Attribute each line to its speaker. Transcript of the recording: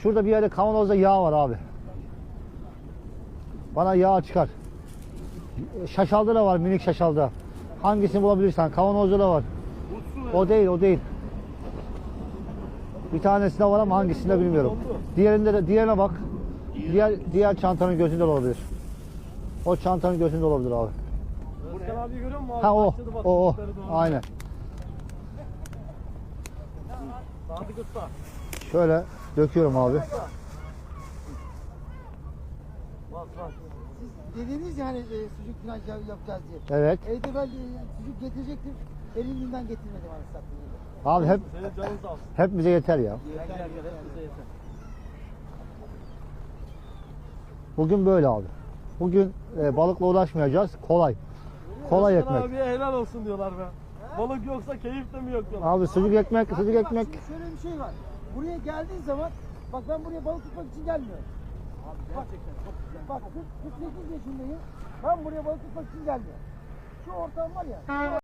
Speaker 1: Şurada bir yerde kavanozda yağ var abi. Bana yağ çıkar. Şaşalda da var, minik şaşalda. Hangisini bulabilirsen. Kavanozda da var. O değil, o değil. Bir tanesinde var ama hangisinde bilmiyorum. Diğerine bak. Diğer çantanın gözünde olabilir. O çantanın gözünde olabilir abi.
Speaker 2: Furkan abi görüyor musun abi?
Speaker 1: Ha o.
Speaker 2: Başladı bak,
Speaker 1: O.
Speaker 2: çocukları doğru.
Speaker 1: Aynen.
Speaker 2: Sadık Usta.
Speaker 1: Şöyle döküyorum abi.
Speaker 2: Bas bas.
Speaker 3: Siz dediniz ya hani sucuk falan yapacağız diye.
Speaker 1: Evet.
Speaker 3: Evde ben sucuk getirecektim. Elinden getirmedim anasını satayım.
Speaker 1: Abi
Speaker 2: Senin canın sağ olsun.
Speaker 1: hep bize yeter ya.
Speaker 2: Gel gel gel. Bize yeter.
Speaker 1: Bugün böyle abi. Bugün balıkla uğraşmayacağız. Kolay. Kolay
Speaker 2: Furkan
Speaker 1: ekmek.
Speaker 2: abiye helal olsun diyorlar be. Balık yoksa keyif de mi yok diyorlar.
Speaker 1: Abi sucuk ekmek, sucuk
Speaker 3: Bak,
Speaker 1: ekmek.
Speaker 3: şimdi şöyle bir şey var. Buraya geldiğin zaman bak ben buraya balık tutmak için gelmiyorum.
Speaker 2: Abi gerçekten çok güzel.
Speaker 3: Bak 48 yaşındayım. Ben buraya balık tutmak için gelmiyorum. Şu ortam var ya.